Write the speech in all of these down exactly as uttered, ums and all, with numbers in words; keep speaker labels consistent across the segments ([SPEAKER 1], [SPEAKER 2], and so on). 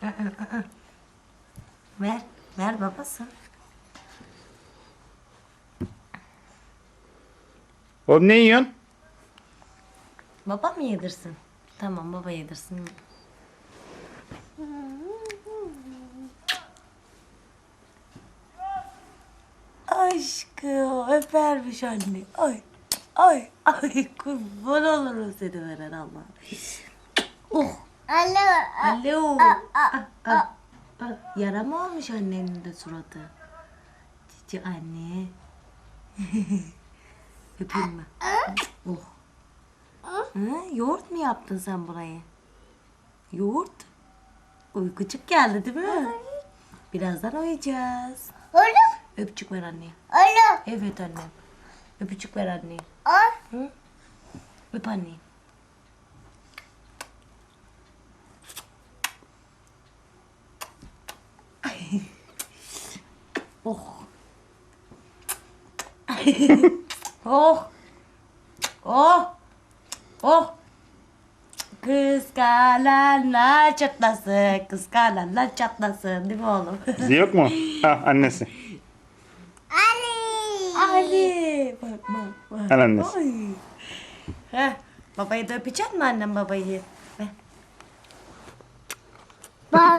[SPEAKER 1] Ver. Ver babası.
[SPEAKER 2] Oğlum ne yiyorsun?
[SPEAKER 1] Baba mı yedirsin? Tamam baba yedirsin. Aşkım öpermiş anne. Ay ay ay kurban olurum seni veren Allah. Oh.
[SPEAKER 3] Alo.
[SPEAKER 1] Alo. Ah, ah, ah. Yara mı olmuş annenin de suratı? Cici anne. Öpeyim mi? Oh. Ha, yoğurt mu yaptın sen burayı? Yoğurt. Uykucuk geldi değil mi? Birazdan uyuyacağız.
[SPEAKER 3] Alo.
[SPEAKER 1] Öpücük ver anneye.
[SPEAKER 3] Alo.
[SPEAKER 1] Evet annem. Öpücük ver anneye.
[SPEAKER 3] Ay.
[SPEAKER 1] Hı? Öp anneyi. Oh. Oh. Oh. Oh. Kıskananlar çatlasın. Kıskananlar çatlasın. Değil mi oğlum?
[SPEAKER 2] Bizi yok mu? Ha annesi.
[SPEAKER 3] Ali.
[SPEAKER 1] Ali. Bak bak bak.
[SPEAKER 2] Al annesi.
[SPEAKER 1] Ay. Heh. Babayı da öpecek mi annem babayı? Ver.
[SPEAKER 3] Bak.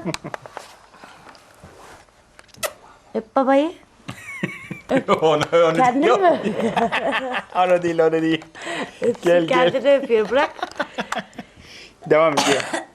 [SPEAKER 1] Öp babayı.
[SPEAKER 2] onu, onu
[SPEAKER 1] Kendin mi?
[SPEAKER 2] Onu değil, onu değil.
[SPEAKER 1] Öpsün,
[SPEAKER 2] Gel, gel.
[SPEAKER 1] kendini öpüyor. Bırak.
[SPEAKER 2] Devam ediyor.